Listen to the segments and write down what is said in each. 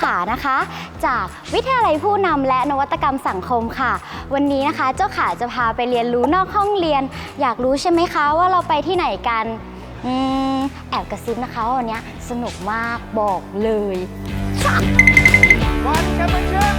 ขานะคะจากวิทยาลัยผู้นำและนวัตกรรมสังคมค่ะวันนี้นะคะเจ้าขาจะพาไปเรียนรู้นอกห้องเรียนอยากรู้ใช่ไหมคะว่าเราไปที่ไหนกันแอบกระซิบนะคะวันนี้สนุกมากบอกเลยวันแชมเปี้ยนชิพ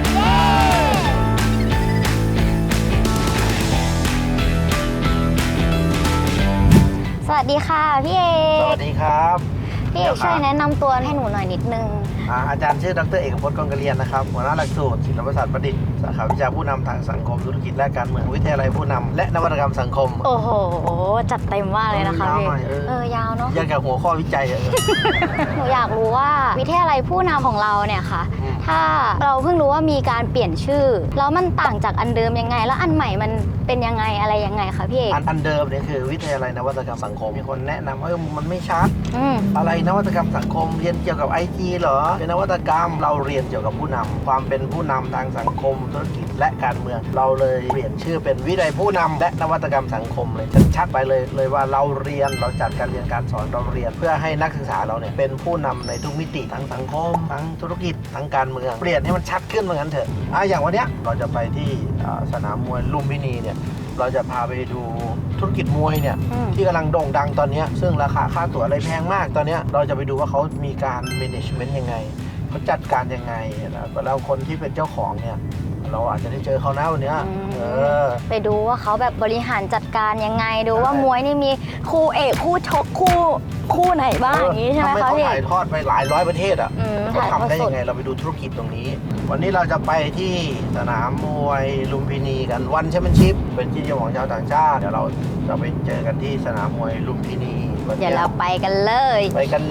สวัสดีค่ะพี่เอกสวัสดีครับพี่เอกช่วยแนะนำตัวให้หนูหน่อยนิดนึงอาจารย์ชื่อดร.เอกพจน์กองกระเรียนนะครับหัวหน้าหลักสูตรศิลปศาสตร์ประดิษฐ์สาขาวิชาผู้นำทางสังคมธุรกิจและการเมืองวิทยาลัยผู้นำและนวัตกรรมสังคมโอ้โหจัดเต็มมากเลยนะคะพี่ยาวเนาะยังกับหัวข้อวิจัยหนูอยากรู้ว่าวิทยาลัยผู้นำของเราเนี่ยค่ะถ้าเราเพิ่งรู้ว่ามีการเปลี่ยนชื่อแล้วมันต่างจากอันเดิมยังไงแล้วอันใหม่มันเป็นยังไงอะไรยังไงคะพี่เอกอันเดิมเนี่ยคือวิทยาลัยนวัตกรรมสังคมมีคนแนะนำมันไม่ชัดอะไรนวัตกรรมสังคมเรียนเกี่ยวกับ IT เหรอเป็นนวัตกรรมเราเรียนเกี่ยวกับผู้นำความเป็นผู้นำทางสังคมธุรกิจและการเมืองเราเลยเปลี่ยนชื่อเป็นวิทยาลัยผู้นำและนวัตกรรมสังคมเลยชัดไปเลยว่าเราเรียนเราจัดการเรียนการสอนเราเรียนเพื่อให้นักศึกษาเราเนี่ยเป็นผู้นำในทุกมิติทั้งสังคมทั้งธุรกิจทั้งการเมืองเปลี่ยนให้มันชัดขึ้นเหมือนกันเถอะอย่างวันนี้เราจะไปที่สนามมวยลุมพินีเนี่ยเราจะพาไปดูธุรกิจมวยเนี่ยที่กำลังโด่งดังตอนนี้ซึ่งราคาค่าตั๋วอะไรแพงมากตอนนี้เราจะไปดูว่าเขามีการ management ยังไงเขาจัดการยังไงแล้วคนที่เป็นเจ้าของเนี่ยเราอาจจะได้เจอเขาหน้าวันนี้ไปดูว่าเขาแบบบริหารจัดการยังไงดูว่ามวยนี่มีคู่เอกคู่ชกคู่ไหนบ้างอย่างนี้ใช่ไหมคะพี่ถ่ายทอดไปหลายร้อยประเทศเขาทำได้ยังไงเราไปดูธุรกิจตรงนี้วันนี้เราจะไปที่สนามมวยลุมพินีกันวันแชมเปี้ยนชิพเป็นที่นิยมของชาวต่างชาติเดี๋ยวเราจะไปเจอกันที่สนามมวยลุมพินีเดี๋ยวเราไปกันเลย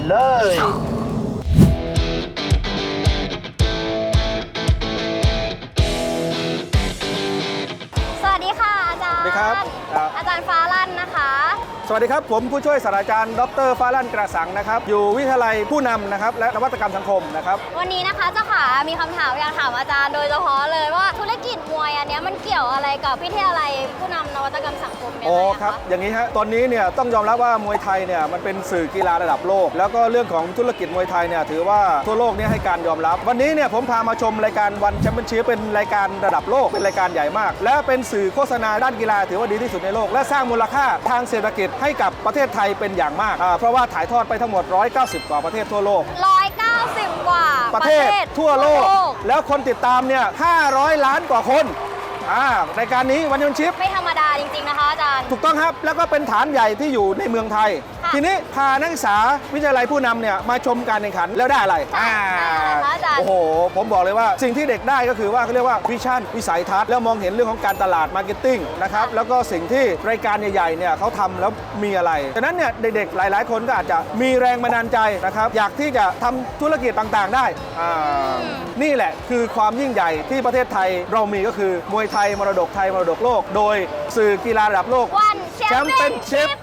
สวัสดีค่ะอาจารย์อาจารย์ฟ้าลั่นนะคะสวัสดีครับผมผู้ช่วยศาสตราจารย์ดร.ฟ้าลั่นกระสังนะครับอยู่วิทยาลัยผู้นำนะครับและนวัตกรรมสังคมนะครับวันนี้นะคะเจ้าขามีคำถามอยากถามอาจารย์โดยเฉพาะเลยว่าธุรกิจมวยอันนี้มันเกี่ยวอะไรกับวิทยาลัยผู้นำนวัตกรรมสังคมยังไงครับอย่างนี้ฮะตอนนี้เนี่ยต้องยอมรับว่ามวยไทยเนี่ยมันเป็นสื่อกีฬาระดับโลกแล้วก็เรื่องของธุรกิจมวยไทยเนี่ยถือว่าทั่วโลกนี้ให้การยอมรับวันนี้เนี่ยผมพามาชมรายการวันแชมเปี้ยนชิพเป็นรายการระดับโลกเป็นรายการใหญ่มากและเป็นสื่อโฆษณาด้านกีฬาถือว่าดีที่สุดในโลกและสร้างมูลค่าทางเศรษฐกิจให้กับประเทศไทยเป็นอย่างมากเพราะว่าถ่ายทอดไปทั้งหมด190กว่าประเทศทั่วโลก 190กว่าประเทศทั่วโลกแล้วคนติดตามเนี่ย500 ล้านกว่าคนรายการนี้วันแชมเปี้ยนชิพไม่ธรรมดาจริงๆนะคะอาจารย์ถูกต้องครับแล้วก็เป็นฐานใหญ่ที่อยู่ในเมืองไทยทีนี้พานักศึกษาวิทยาลัยผู้นำเนี่ยมาชมการแข่งขันแล้วได้อะไรโอ้โหผมบอกเลยว่าสิ่งที่เด็กได้ก็คือว่าเขาเรียกว่าวิชั่นวิสัยทัศน์แล้วมองเห็นเรื่องของการตลาดมาร์เก็ตติ้งนะครับแล้วก็สิ่งที่รายการใหญ่ๆเนี่ยเขาทำแล้วมีอะไรฉะนั้นเนี่ยเด็กๆหลายๆคนก็อาจจะมีแรงบันดาลใจนะครับอยากที่จะทำธุรกิจต่างๆได้นี่แหละคือความยิ่งใหญ่ที่ประเทศไทยเรามีก็คือมวยไทยมรดกไทยมรดกโลกโดยสื่อกีฬาระดับโลกแชมเปี้ยนชิพ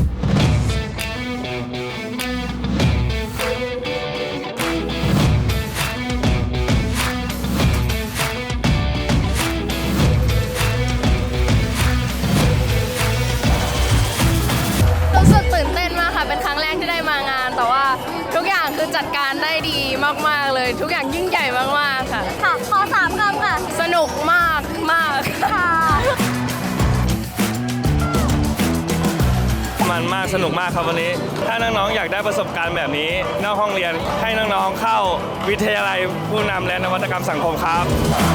เป็นครั้งแรกที่ได้มางานแต่ว่าทุกอย่างคือจัดการได้ดีมากๆเลยทุกอย่างยิ่งใหญ่มากๆค่ะขอ3 คำค่ะสนุกมากค่ะมันมากสนุกมากครับวันนี้ถ้าน้องๆอยากได้ประสบการณ์แบบนี้นอกห้องเรียนให้น้องๆเข้าวิทยาลัยผู้นำและนวัตกรรมสังคมครับ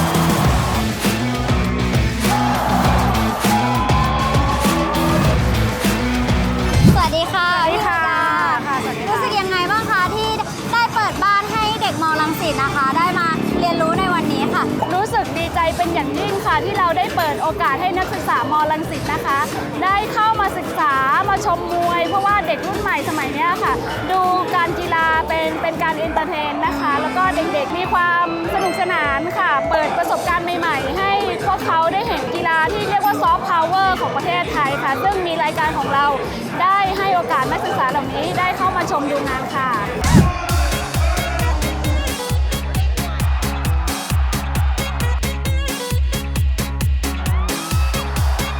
สวัสดีค่ะรู้สึกยังไงบ้างคะที่ได้เปิดบ้านให้เด็กม.รังสิตนะคะได้มาเรียนรู้ในวันนี้ค่ะรู้สึกดีใจเป็นอย่างยิ่งค่ะที่เราได้เปิดโอกาสให้นักศึกษาม.รังสิตนะคะได้เข้ามาศึกษามาชมมวยเพราะว่าเด็กรุ่นใหม่สมัยนี้ค่ะดูการกีฬาเป็นการเอนเตอร์เทนนะคะแล้วก็เด็กๆมีความสนุกสนานค่ะเปิดประสบการณ์ใหม่ๆให้พวกเขาได้เห็นกีฬาที่เรียกว่าซอฟต์พาวเวอร์ของประเทศไทยค่ะซึ่งมีรายการของเราได้ให้โอกาสนักศึกษาเหล่านี้ได้เข้ามาชมดูงานค่ะ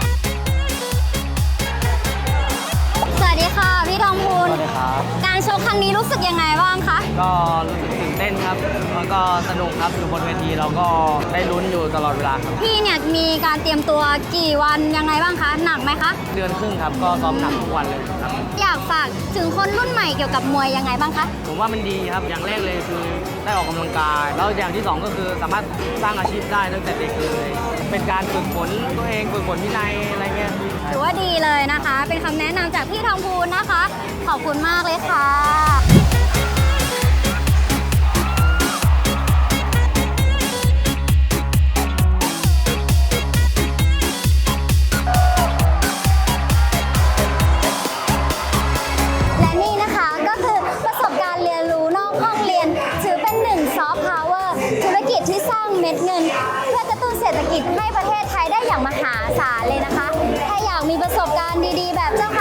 สวัสดีค่ะพี่ทองพูนการชกครั้งนี้รู้สึกยังไงบ้างคะก็รู้สึกตื่นเต้นครับแล้วก็สนุกครับอยู่บนเวทีเราก็ได้ลุ้นอยู่ตลอดเวลาครับพี่เนี่ยมีการเตรียมตัวกี่วันยังไงบ้างคะ หนักไหมคะเดือนครึ่งครับก็ซ้อมหนักทุกวันเลยครับอยากฝากถึงคนรุ่นใหม่เกี่ยวกับมวยยังไงบ้างคะผมว่ามันดีครับอย่างแรกเลยคือได้ออกกำลังกาย แล้วอย่างที่สองก็คือสามารถสร้างอาชีพได้ตั้งแต่เด็กเลยเป็นการฝึกฝนตัวเองฝึกฝนวินัยอะไรเงี้ยถือว่าดีเลยนะคะ เป็นคำแนะนำจากพี่ทองพูนนะคะ ขอบคุณมากเลยค่ะ และนี่นะคะก็คือประสบการณ์เรียนรู้นอกห้องเรียน ถือเป็นหนึ่งซอฟต์พาวเวอร์ธุรกิจที่สร้างเม็ดเงิน เพื่อกระตุ้นเศรษฐกิจให้ประเทศไทยได้อย่างมหาศาลเลยนะคะ ถ้าอยากมีประสบการณ์ดีๆ แบบเจ้าค่ะ